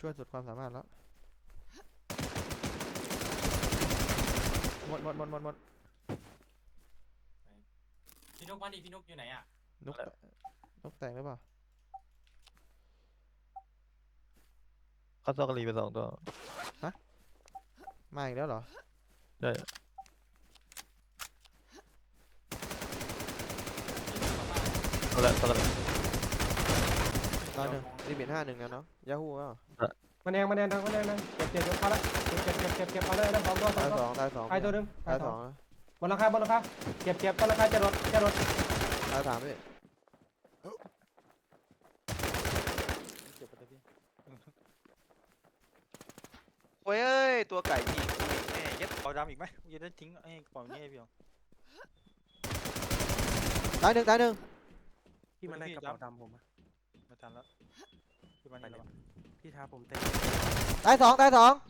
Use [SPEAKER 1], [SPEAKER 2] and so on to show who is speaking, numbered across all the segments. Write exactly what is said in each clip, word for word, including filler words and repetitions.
[SPEAKER 1] ช่วยสุดความสามารถแล้วหมดหมดหมดหมดหมด
[SPEAKER 2] พี่นุกมาดิพี่นุกอยู่ไหนอ่ะ
[SPEAKER 1] นกนกแตกหรือเปล่า
[SPEAKER 3] เขาซอกกะลีไปสองตัว
[SPEAKER 1] ฮะมาอีกแล้วเหรอ
[SPEAKER 3] ใช่เอาละซอกกะลี
[SPEAKER 1] ตอนหนึ่งรีบิทห้าหนึ่งนะเนาะยาฮูอ่ะ
[SPEAKER 4] มันแดงมันแดงมันแดงเก็บเก็บเก็บพอละเก็บเก็บเก็บเก็บเก็บพอเลยนะสองตัวสอ
[SPEAKER 1] ตาง ย
[SPEAKER 4] ตัว
[SPEAKER 1] สองตายสอง
[SPEAKER 4] ตายตัวนึง
[SPEAKER 1] ตายสอง
[SPEAKER 4] บนราคาบนราคาเก็บเก็บบนราคาจะรถจะรถ
[SPEAKER 1] ตายสามพี่
[SPEAKER 5] โอ้ยเอ้ยตัวไก่ยิงแม่ยัดเอาดำอีกไหมยัดได้ทิ้งไอ้ปล่อยงี้พี่อ๋อ
[SPEAKER 1] ตายหนึ่งตายหนึ่ง
[SPEAKER 4] พี่มันได้กระเป๋าดำผมอะ
[SPEAKER 5] ไม่ทันแล้วพี่มันนี่แล้ว
[SPEAKER 4] พี่ท้าผมเต็ม
[SPEAKER 1] ตายสองตายสอง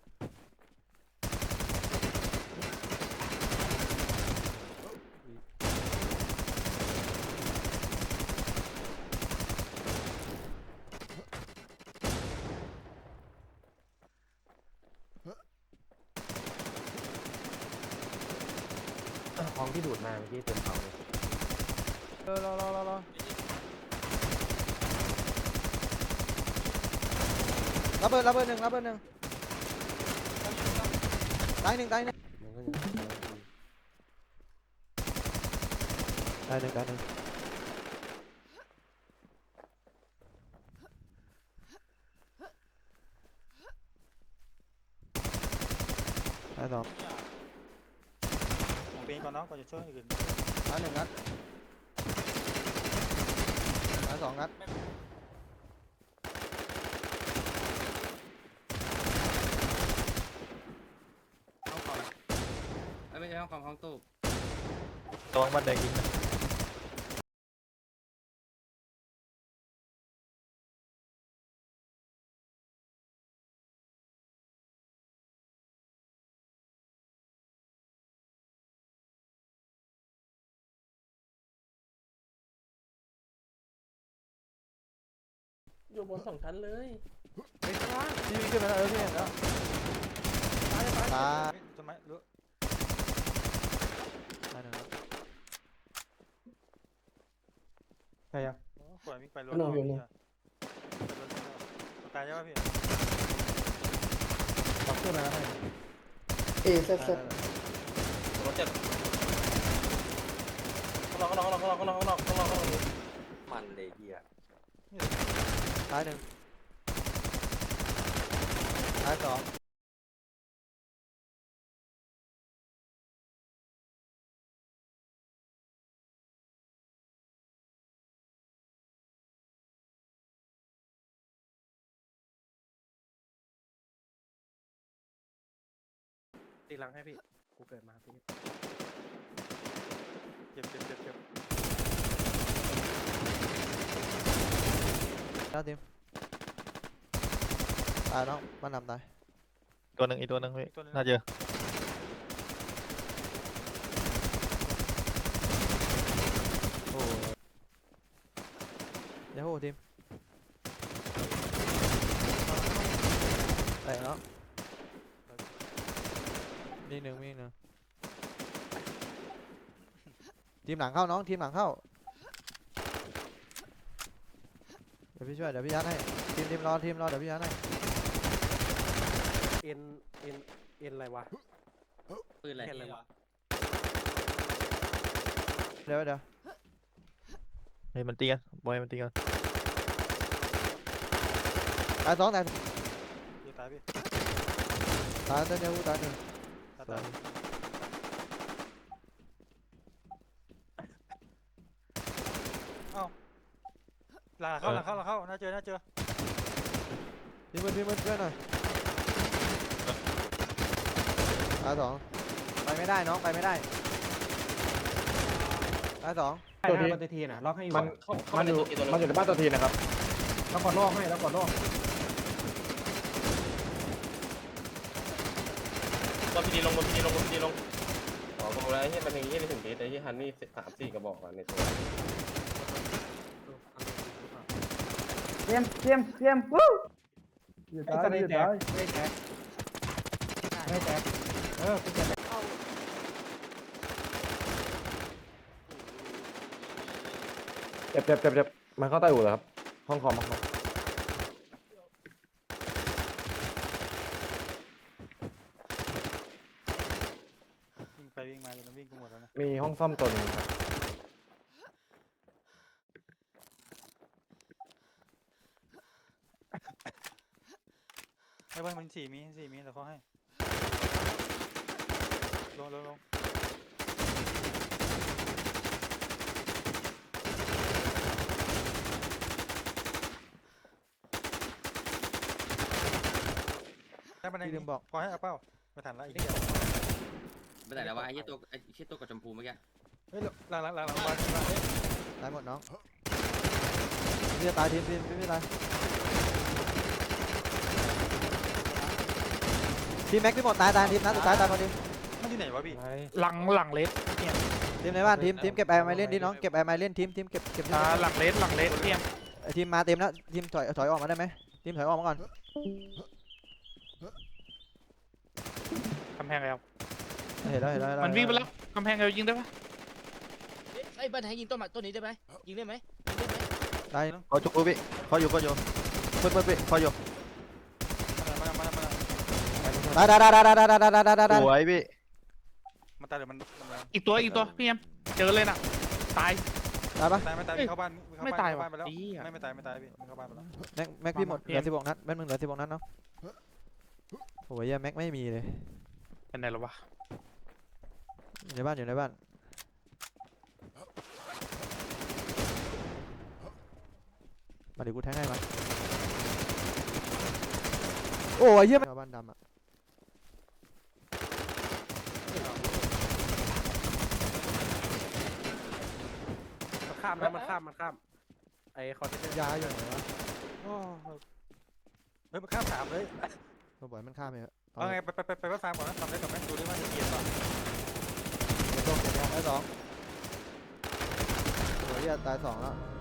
[SPEAKER 4] ของที่ดูดมาเมื่อกี้เต็มเผาเลย
[SPEAKER 1] รอรอรอรอรอรับเบอร์รับเบอร์หนึ่งรับเบอร์หนึ่งตายหนึ่งตายหนึ่ง
[SPEAKER 4] มันก็ยัง
[SPEAKER 1] ตายหนึ่งตายหนึ่งตายสอง
[SPEAKER 5] ผมเป็นก่อนน้องก่อนจะช่วยอื่น
[SPEAKER 1] ตายหนึ่งนัดตายสองนัด
[SPEAKER 2] ห้องคอมไม่ใช่ห้องคอมห้องตู้
[SPEAKER 3] ระวังบ้านแดงยิงนะ
[SPEAKER 6] อยู่บนสองชั้นเลย
[SPEAKER 1] พี่วิ่งขึ้นมาแล้วเออพี่เห็นแล้วตาย
[SPEAKER 5] ต้นไม้รู้
[SPEAKER 1] ตายหนึ่งนัด
[SPEAKER 4] ใช่ยัง
[SPEAKER 5] ปล่อยมิกไปรถตายใช่ไหมพี่
[SPEAKER 4] ตักขึ้นมาแล้วให้
[SPEAKER 6] เอเซตเซต
[SPEAKER 2] รถเจ็บข้างนอกข้างนอกข้างนอกข้างนอกข้างนอกข้างนอกข้างนอกมันเลยเฮีย
[SPEAKER 1] ตายหนึ่งตายสอง
[SPEAKER 4] ตีหลังให้พี่กูเกิดมาพี่
[SPEAKER 5] เจ็บเจ็บเจ็บเจ็บ
[SPEAKER 1] แล้วทีมตายน้องมันนำตาย
[SPEAKER 3] ตัวหนึ่งอีกตัวหนึ่งพี่น่าเจอ
[SPEAKER 1] โอ้ยาฮูทีมแตกแล้วมีหนึ่งมีหนึ่งทีมหลังเข้าน้องทีมหลังเข้าเดี๋ยวพี่ช่วยเดี๋ยวพี่ยัดให้ทีมทีมรอทีมรอเดี๋ยวพี่ยัดให้
[SPEAKER 4] เอ็นเอ็นเอ็นอะไรวะ
[SPEAKER 2] ปืนอะไร
[SPEAKER 4] อะไรวะ
[SPEAKER 1] เดี๋ยวเดี๋ยว
[SPEAKER 3] เฮ้ยมันตีกันบอยมันตีกัน
[SPEAKER 1] ตายสองตาย
[SPEAKER 5] พี่ตายพี่
[SPEAKER 1] ตายเต้นยาฮูตายหนึ่ง
[SPEAKER 5] ตายตายเอ้าหลังเข้าหลังเข้าหลังเข้าน่าเจอน่าเจอ
[SPEAKER 1] ทีมมือทีมมือช่วยหน่อยตายสองไปไม่ได้น้องไปไม่ได้ตายสอง
[SPEAKER 4] ตัวทีมันตัวทีน่ะล็อกให้อยู่
[SPEAKER 6] มันมันอยู่มันอยู่ในบ้านตัวทีนะครับ
[SPEAKER 4] แล้วกดลอกให้แล้วกดลอก
[SPEAKER 2] บนพีดีลงบนพีดีลงบนพีดีลงอ๋อผมแล้วที่มันอย่างนี้ไม่ถึงดีแต่ที่ฮันนี่สามสี่กระบอกอ่ะในตัว
[SPEAKER 6] เตรียมเตรียมเตรียมวู้
[SPEAKER 4] ไอ้สไนแตกไม่แตกไม่แตกเออกูจะ
[SPEAKER 6] เจ็บเจ็บเจ็บเจ็บมันเข้าใต้อู่เหรอครับห้องคอมครับ
[SPEAKER 5] วิ่งไปวิ่งมาจนมันวิ่งกูหมดแล้วนะ
[SPEAKER 6] มีห้องซ่อมตัวหนึงครับ
[SPEAKER 5] ไอ้บ้านมันสี่มีสี่มีแต่เขาให้ลงลงลงได้บันได
[SPEAKER 1] พี่ลืมบอก
[SPEAKER 5] พอให้เอาเป้าไม่ทันแล้วไอ้เหี้ย
[SPEAKER 7] ไม่ได้แล้วว่าไอ้เหี้ยตัวไอ้เหี้ยตัวกับชมพูเมื่อกี้
[SPEAKER 5] เฮ้ยหลังหลังหลังหลังบ้าน
[SPEAKER 1] ตายหมดน้องพี่จะตายทีมทีมพี่ไม่ตายทีมแม็กพี่หมดตายตายทีมนะสุดท้ายตายหมดทีม
[SPEAKER 5] มันที่ไหนวะพี่
[SPEAKER 8] หลังหลังเลส
[SPEAKER 1] ทีมในบ้านทีมทีมเก็บแอร์ไมเล่นดิน้องเก็บแอร์ไมเล่นทีมทีมเก็บเก็บ
[SPEAKER 8] อ่าหลังเลสหลังเลสเตรียม
[SPEAKER 1] ทีมมาเต็มแล้วทีมถอยถอยออกมาได้ไหมทีมถอยออกมาก่อน
[SPEAKER 8] กำแพงแล้ว
[SPEAKER 1] เห็นแล้วเห็นแล้ว
[SPEAKER 8] มันวิ่งไปแล้วกำแพงเรายิงได้ปะ
[SPEAKER 9] ไอ้บ้านไหนยิงต้นมาต้นนี้ได้ไหมยิงได้ไหมยิงได้ไหม
[SPEAKER 1] ตาย
[SPEAKER 3] เขาจุกพี่เขาอยู่เขาอยู่เพิ่นเพิ่นพี่เขาอยู่
[SPEAKER 5] มามามามา
[SPEAKER 1] ตายตายตายตายตายตายตายตายตายตาย
[SPEAKER 3] สวยพี่
[SPEAKER 5] มันตายหรือมันมัน
[SPEAKER 8] อีกตัวอีกตัวพี่เอ็มเจอเลยน่ะตาย
[SPEAKER 1] ตายปะ
[SPEAKER 5] ตายไม่ตายเข้าบ้าน
[SPEAKER 8] ไม่ตาย
[SPEAKER 5] เข้า
[SPEAKER 8] ว่ะ
[SPEAKER 5] บ้านไปแล้ว
[SPEAKER 8] ดีอ่ะ
[SPEAKER 5] ไม่ไม่ตายไม่ตายพี่มันเข้าบ้านไปแล้ว
[SPEAKER 1] แม็กแม็กพี่หมดเหลือสิบหกนัดแม็กมึงเหลือสิบหกนัดเนาะโอ้ยแม็กไม่มีเลย
[SPEAKER 8] เป็นไงหรอวะ
[SPEAKER 1] อยู่ในบ้านอยู่ในบ้านมาเดี๋ยวกูแทงให้มาโอ้ยเยี่ยมบ้านดำอ่ะ
[SPEAKER 4] มันข้ามนะมันข้ามมันข้ามไอ้คอนเทนเนอร์
[SPEAKER 1] ยาอยู่ไหนวะ
[SPEAKER 5] โอ้เฮ้ยมันข้ามสามเลย
[SPEAKER 1] เราบ่อยมันข้ามไปเถอะ
[SPEAKER 5] เอาไงไปไปไปไปว่าฟาร์มก่อนนะทำได้กับแม่ดูดิว่าจะเกียร์ป่ะ
[SPEAKER 1] โดนเก็บยาได้สองโอ้ยตายสองแล้ว